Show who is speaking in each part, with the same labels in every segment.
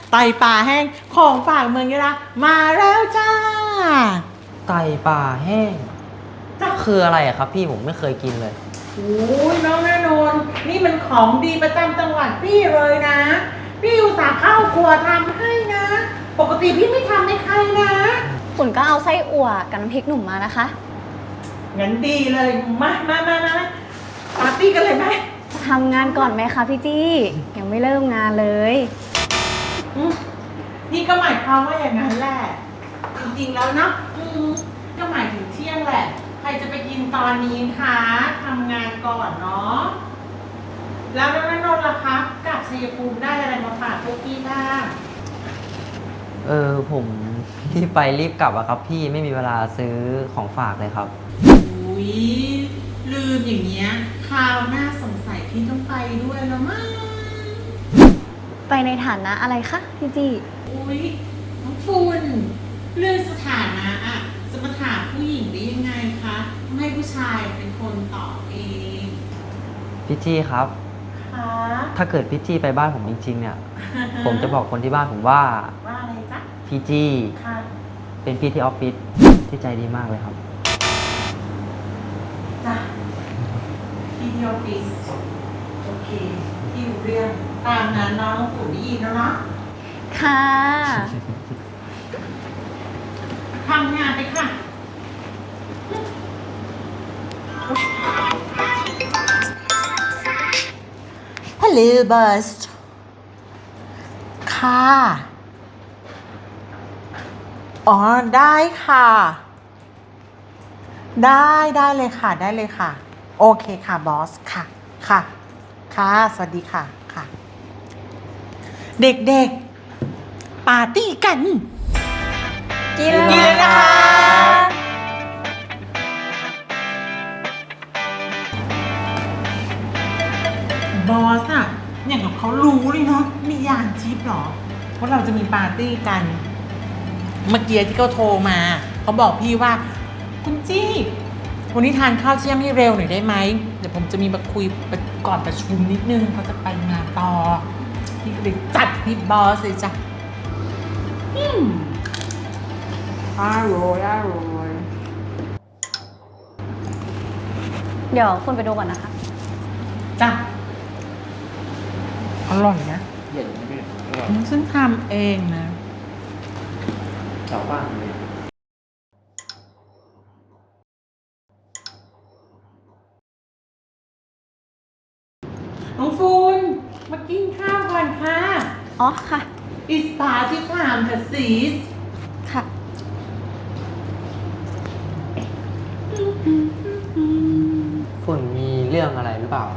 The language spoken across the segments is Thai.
Speaker 1: ไตปลาแห้งของฝากเมืองยะลามาแล้วจ้า
Speaker 2: ไตปลาแห้งคืออะไรอะครับพี่ผมไม่เคยกินเลย
Speaker 1: โอ้ยน้องแน่นอนนี่มันของดีประจำจังหวัดพี่เลยนะพี่อุตส่าห์เข้าครัวทำให้นะ ปกติพี่ไม่ทำให้ใครนะ
Speaker 3: ฝุ่นก็เอาไส้อั่วกับน้ำพริกหนุ่มมานะคะ
Speaker 1: งั้นดีเลยมาปาร์ตี้กันเลยไหม
Speaker 3: จะทำงานก่อนไหมคะพี่จี้ยังไม่เริ่มงานเลย
Speaker 1: นี่ก็หมายความว่าอย่างนั้นแหละจริงๆแล้วเนาะก็หมายถึงเที่ยงแหละใครจะไปกินตอนนี้คะทำงานก่อนเนาะแล้วน้องนนท์ล่ะคะกลับชัยภูมิได้อะไรมาฝากพวกพี่บ้าง
Speaker 2: ผมรีบไปรีบกลับอะครับพี่ไม่มีเวลาซื้อของฝากเลยครับ
Speaker 1: อุ้ยลืมอย่างเงี้ยคราวหน้าสงสัยพี่ต้องไปด้วยแล้วมั้ง
Speaker 3: ไปในฐานะอะไรคะพี่จี้
Speaker 1: อุ้ยน้องฝุ่นเรื่องสถานะอะจะมาถามผู้หญิงได้ยังไงคะต้องให้ผู้ชายเป็นคนตอบเอง
Speaker 2: พี่จี้ครับถ้าเกิดพี่จี้ไปบ้านผมจริงๆเนี่ย ผมจะบอกคนที่บ้านผมว่า
Speaker 1: อะไรจ๊ะ
Speaker 2: พี่จี้เป็นพี่ที่ออฟฟิศที่ใจดีมากเลยครับ
Speaker 1: จ้ะพี่ที่ออฟฟิศโอเคพี่รู้เรื่องตามนั้นน้องฝุ่นได้ยินแล้วเนาะ
Speaker 3: ค่ะ
Speaker 1: ทำงานไปค่ะฮัลโหลบอสค่ะอ๋อได้ค่ะได้เลยค่ะได้เลยค่ะโอเคค่ะบอสค่ะค่ะสวัสดีค่ะเด็กๆปาร์ตี้กัน
Speaker 3: กินเลย
Speaker 1: นะคะบอสอะอย่างกับเขารู้เลยเนาะมียานชิปหรอว่าเราจะมีปาร์ตี้กันเมื่อกี้ที่เขาโทรมาเขาบอกพี่ว่าคุณจี้วันนี้ทานข้าวเที่ยงให้เร็วหน่อยได้ไหมเดี๋ยวผมจะมีมาคุยก่อนประชุมนิดนึงเขาจะไปงานต่อพี่ก็เลยจัดพี่บอสเลยจ้ะอร่อย
Speaker 3: เดี๋ยวคุณไปดูก่อนนะคะ
Speaker 1: จ้ะอร่อยนะ
Speaker 2: เย็นไม่ได้
Speaker 1: ฉันทำเองนะ
Speaker 2: ชาวบ้านเลย
Speaker 1: น้องฟูนมากินข้าวก่อนค่ะ
Speaker 3: อ๋อค่ะ
Speaker 1: It's party time ค่ะซีส
Speaker 3: ค่ะ
Speaker 2: ฝุ่นมีเรื่องอะไรหรือเปล่า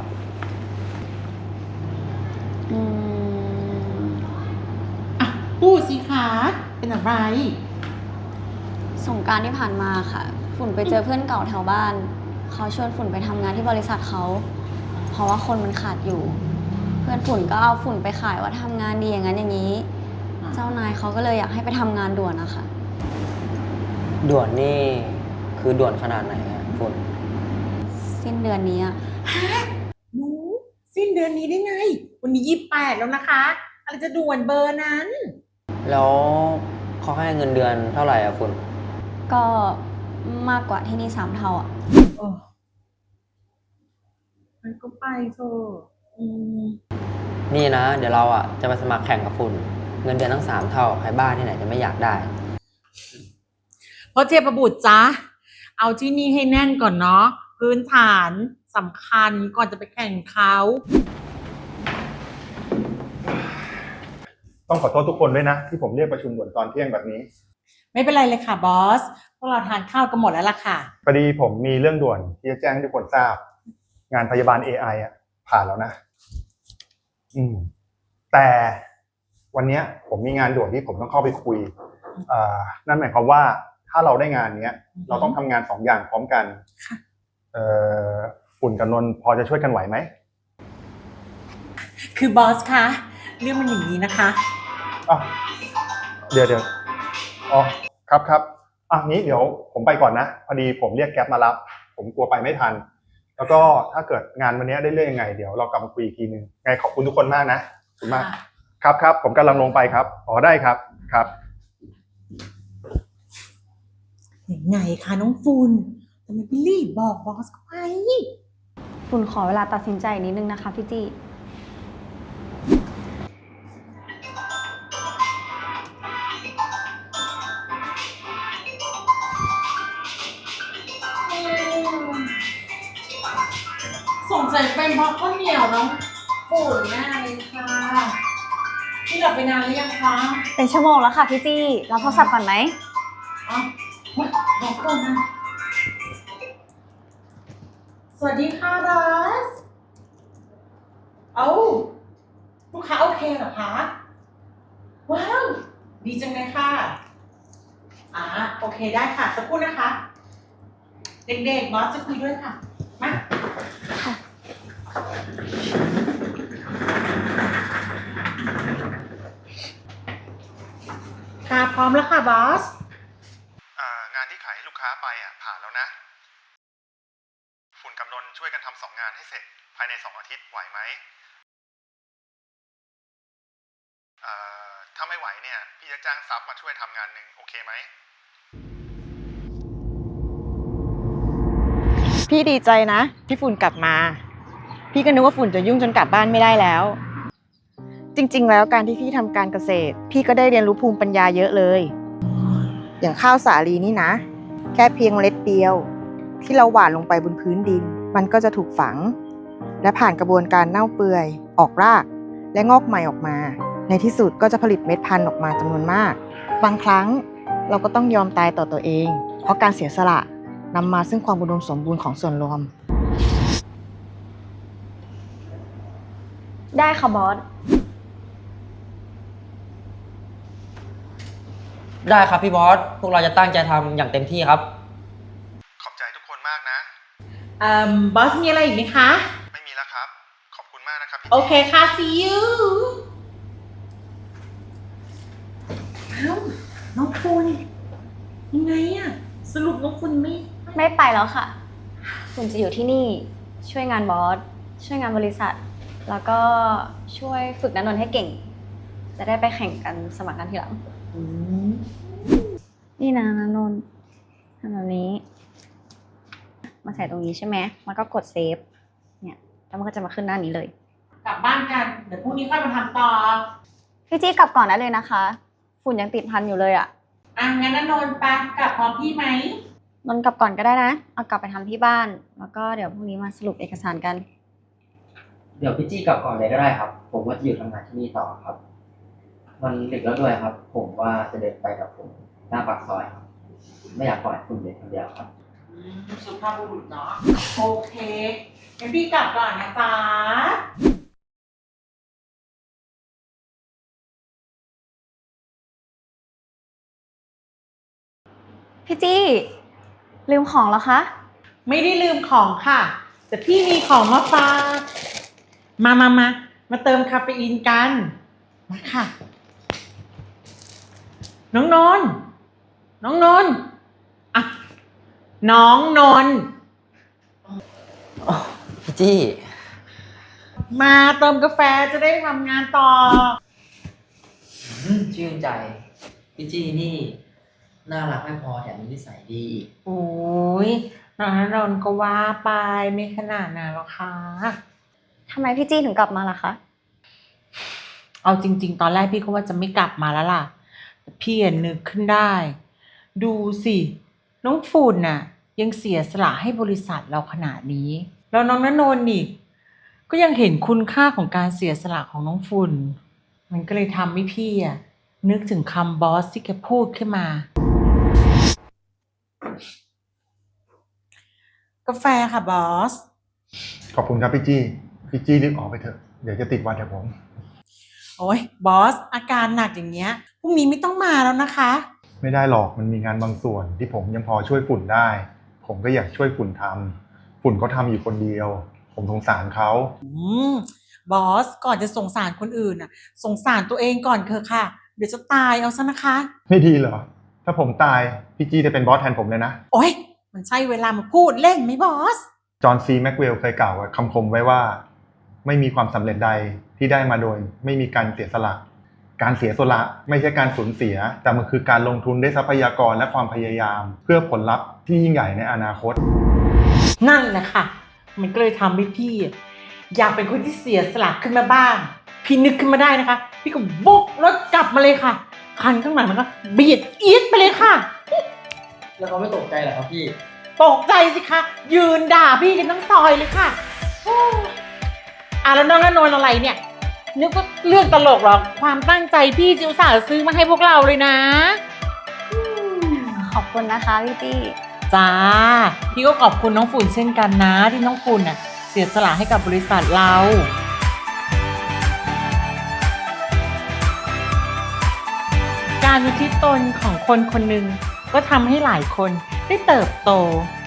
Speaker 1: พูดสิคะเป็นอะไร
Speaker 3: สงกรานต์ที่ผ่านมาค่ะฝุ่นไปเจอเพื่อนเก่าแถวบ้านเขาชวนฝุ่นไปทำงานที่บริษัทเขาเพราะว่าคนมันขาดอยู่เพื่อนฝุ่นก็เอาฝุ่นไปขายว่าทำงานดีอย่างนั้นอย่างนี้เจ้านายเขาก็เลยอยากให้ไปทำงานด่วนนะคะ
Speaker 2: ด่วนนี่คือด่วนขนาดไหนอะฝุ่น
Speaker 3: สิ้นเดือนนี้อะ
Speaker 1: ฮะหนูสิ้นเดือนนี้ได้ไงวันนี้28แล้วนะคะอะไรจะด่วนเบอร์นั้น
Speaker 2: แล้วเขาให้เงินเดือนเท่าไหร่อะฝุ่น
Speaker 3: ก็มากกว่าที่นี่3 เท่าอะ
Speaker 1: มันก็ไปเถอะ
Speaker 2: นี่นะเดี๋ยวเราอะจะไปสมัครแข่งกับฝุ่นเงินเดือนทั้ง3 เท่าใครบ้าที่ไหนจะไม่อยากได้
Speaker 1: เพราะเจี๊ยบบุตรจ๊ะเอาที่นี่ให้แน่นก่อนเนาะพื้นฐานสำคัญก่อนจะไปแข่งเขา
Speaker 4: ต้องขอโทษทุกคนด้วยนะที่ผมเรียกประชุมด่วนตอนเที่ยงแบบนี้
Speaker 1: ไม่เป็นไรเลยค่ะบอสพวกเราทานข้าวกันหมดแล้วล่ะค่ะ
Speaker 4: พอดีผมมีเรื่องด่วนที่จะแจ้งให้ทุกคนทราบงานพยาบาล AI อ่ะผ่านแล้วนะแต่วันนี้ผมมีงานด่วนที่ผมต้องเข้าไปคุยนั่นหมายความว่าถ้าเราได้งานเนี้ยเราต้องทำงาน2 อย่างพร้อมกันฝุ่นกับนนท์พอจะช่วยกันไหวไหม
Speaker 1: คือบอสคะเรื่องมันอย่างนี้นะคะ
Speaker 4: เดี๋ยวอ๋อครับนี้เดี๋ยวผมไปก่อนนะพอดีผมเรียกแก๊ปมารับผมกลัวไปไม่ทันแล้วก็ถ้าเกิดงานวันนี้ได้เรื่องยังไงเดี๋ยวเรากลับมาคุยอีกทีนึงไงขอบคุณทุกคนมากนะขอบคุณมากครับครับผมกำลังลงไปครับอ๋อได้ครับครับ
Speaker 1: ยังไงคะน้องฝุ่นทำไมพี่รีบบอกบอสเขาไป
Speaker 3: ฝุ่นขอเวลาตัดสินใจอีกนิดนึงนะคะพี่จี้
Speaker 1: สงสัยเป็นเพราะข้าวเหนียวน้องฝุ่นแน่เลยค่ะพี่หลับไปนานหรือยังคะ
Speaker 3: เป็นชั่วโมงแล้วค่ะพี่จี้รับโทรศัพท์ก่อนไหม
Speaker 1: อ๋อบอกก่อนนะสวัสดีค่ะบอสลูกค้าโอเคเหรอคะว้าวดีจังเลยค่ะโอเคได้ค่ะสักครู่นะคะ เด็กๆบอสจะคุยด้วยค่ะมาค่ะพร้อมแล้วค่ะบอส
Speaker 4: งานที่ขายให้ลูกค้าไปผ่านแล้วนะฝุ่นกับนนท์ช่วยกันทำ2 งานให้เสร็จภายใน2 อาทิตย์ไหวไหมถ้าไม่ไหวเนี่ยพี่จะจ้างซับมาช่วยทำงานหนึ่งโอเคไหม
Speaker 5: พี่ดีใจนะที่ฝุ่นกลับมา พี่ก็นึกว่าฝุ่นจะยุ่งจนกลับบ้านไม่ได้แล้ว จริงๆแล้วการที่พี่ทำการเกษตร พี่ก็ได้เรียนรู้ภูมิปัญญาเยอะเลย อย่างข้าวสาลีนี่นะ แค่เพียงเมล็ดเดียว ที่เราหว่านลงไปบนพื้นดิน มันก็จะถูกฝัง และผ่านกระบวนการเน่าเปื่อยออกราก และงอกใหม่ออกมา ในที่สุดก็จะผลิตเม็ดพันธุ์ออกมาจำนวนมาก บางครั้งเราก็ต้องยอมตายต่อตัวเอง เพราะการเสียสละนำมาซึ่งความอุดมสมบูรณ์ของส่วนรวม
Speaker 3: ได้ค่ะบอส
Speaker 2: ได้ครับพี่บอส พวกเราจะตั้งใจทำอย่างเต็มที่ครับ
Speaker 4: ขอบใจทุกคนมากนะ
Speaker 1: บอสมีอะไรอีกไหมคะ
Speaker 4: ไม่มีแล้วครับขอบคุณมากนะครับพี่
Speaker 1: โอเคค่ะ see you น้องคุณยังไงอะสรุปน้องคุณ
Speaker 3: ไม่ไปแล้วค่ะ ฝุ่นจะอยู่ที่นี่ช่วยงานบอส ช่วยงานบริษัท แล้วก็ช่วยฝึกนันนนท์ให้เก่ง จะได้ไปแข่งกันสมัครงานทีหลัง
Speaker 1: อืม
Speaker 3: นี่นะนันนนท์ทำแบบนี้ มาใส่ตรงนี้ใช่ไหมมันก็กดเซฟ เนี่ย แล้วมันก็จะมาขึ้นหน้านี้เลย
Speaker 1: กลับบ้านกัน เดี๋ยวพรุ่งนี้ค่อยมาทำต่อ
Speaker 3: พี่จี้กลับก่อนได้เลยนะคะ ฝุ่นยังติดพันอยู่เลยอะ
Speaker 1: งั้นนนท์ไปกลับพร้อมพี่ไหม
Speaker 3: นนท์กลับก่อนก็ได้นะ เอากลับไปทำที่บ้าน แล้วก็เดี๋ยวพรุ่งนี้มาสรุปเอกสารกัน
Speaker 2: เดี๋ยวพี่จี้กลับก่อนเลยก็ได้ครับ ผมว่าจะอยู่ทำงานที่นี่ต่อครับ มันดึกแล้วด้วยครับ ผมว่าจะเดินไปกับผมหน้าปากซอยครับ ไม่อยากปล่อยคุณเดินคนเดียวครับ
Speaker 1: สุภาพบุรุษเนาะ โอเคงั้นพี่กลับก่อนนะจ๊ะ
Speaker 3: พี่จี้ลืมของแล้วคะ
Speaker 1: ไม่ได้ลืมของค่ะ แต่พี่มีของมาฝากมาเติมคาเฟอีนกัน มาค่ะ น้องนนท์อ่ะน้องนนท์
Speaker 2: พี่จี้
Speaker 1: มาเติมกาแฟจะได้ทำงานต่อ
Speaker 2: ชื่นใจ พี่จี้นี่ น่ารักไม่พอแถมมีนิสัยดีอีก
Speaker 1: โอ้ยน้องนนท์ก็ว่าไปไม่ขนาดนั้นหรอกค่ะ
Speaker 3: ทำไมพี่จี้ถึงกลับมาล่ะคะ
Speaker 1: เอาจริงๆ ตอนแรกพี่ก็ว่าจะไม่กลับมาแล้วล่ะแต่พี่นึกขึ้นได้ ดูสิ น้องฝุ่นน่ะ ยังเสียสละให้บริษัทเราขนาดนี้ แล้วน้องณนนท์นี่ ก็ยังเห็นคุณค่าของการเสียสละของน้องฝุ่น มันก็เลยทำให้พี่นึกถึงคำบอสที่แกพูดขึ้นมา กาแฟค่ะบอส
Speaker 4: ขอบคุณครับพี่จี้รีบออกไปเถอะเดี๋ยวจะติดวันเดี๋ยวผม
Speaker 1: โอ้ยบอส อาการหนักอย่างเงี้ยพรุ่งนี้ไม่ต้องมาแล้วนะคะ
Speaker 4: ไม่ได้หรอกมันมีงานบางส่วนที่ผมยังพอช่วยฝุ่นได้ ผมก็อยากช่วยฝุ่นทำฝุ่นเขาทำอยู่คนเดียว ผมสงสารเขา
Speaker 1: บอสก่อนจะสงสารคนอื่นน่ะ สงสารตัวเองก่อนเถอะค่ะ เดี๋ยวจะตายเอาซะนะคะ
Speaker 4: ไม่ดีเหรอถ้าผมตายพี่จี้จะเป็นบอสแทนผมเลยนะ
Speaker 1: โอ๊ยมันใช่เวลามาพูดเล่นไหมบอส
Speaker 4: จอห์นซีแม็กเวลเคยกล่าวคำคมไว้ว่า ไม่มีความสำเร็จใดที่ได้มาโดยไม่มีการเสียสละการเสียสละไม่ใช่การสูญเสีย แต่มันคือการลงทุนด้วยทรัพยากรและความพยายาม เพื่อผลลัพธ์ที่ยิ่งใหญ่ในอนาคต
Speaker 1: นั่นแหละค่ะ มันก็เลยทำให้พี่อยากเป็นคนที่เสียสละขึ้นมาบ้าง พี่นึกขึ้นมาได้นะคะ พี่ก็วกรถกลับมาเลยค่ะ คันข้างหลังมันก็เบียดอีทไปเลยค่ะ
Speaker 2: แล้วเขาไม่ตกใจเหรอครับพี่
Speaker 1: ตกใจสิคะ ยืนด่าพี่กันทั้งซอยเลยค่ะโอ้แล้วน้องอนนท์อะไรเนี่ย นึกว่าเรื่องตลกหรอ ความตั้งใจพี่จิวสาห์ซื้อมาให้พวกเราเลยนะ
Speaker 3: ขอบคุณนะคะพี่จี้
Speaker 1: จ้า พี่ก็ขอบคุณน้องฝุ่นเช่นกันนะ ที่น้องฝุ่นน่ะเสียสละให้กับบริษัทเรา การอุทิศตนของคนคนหนึ่งก็ทำให้หลายคนได้เติบโต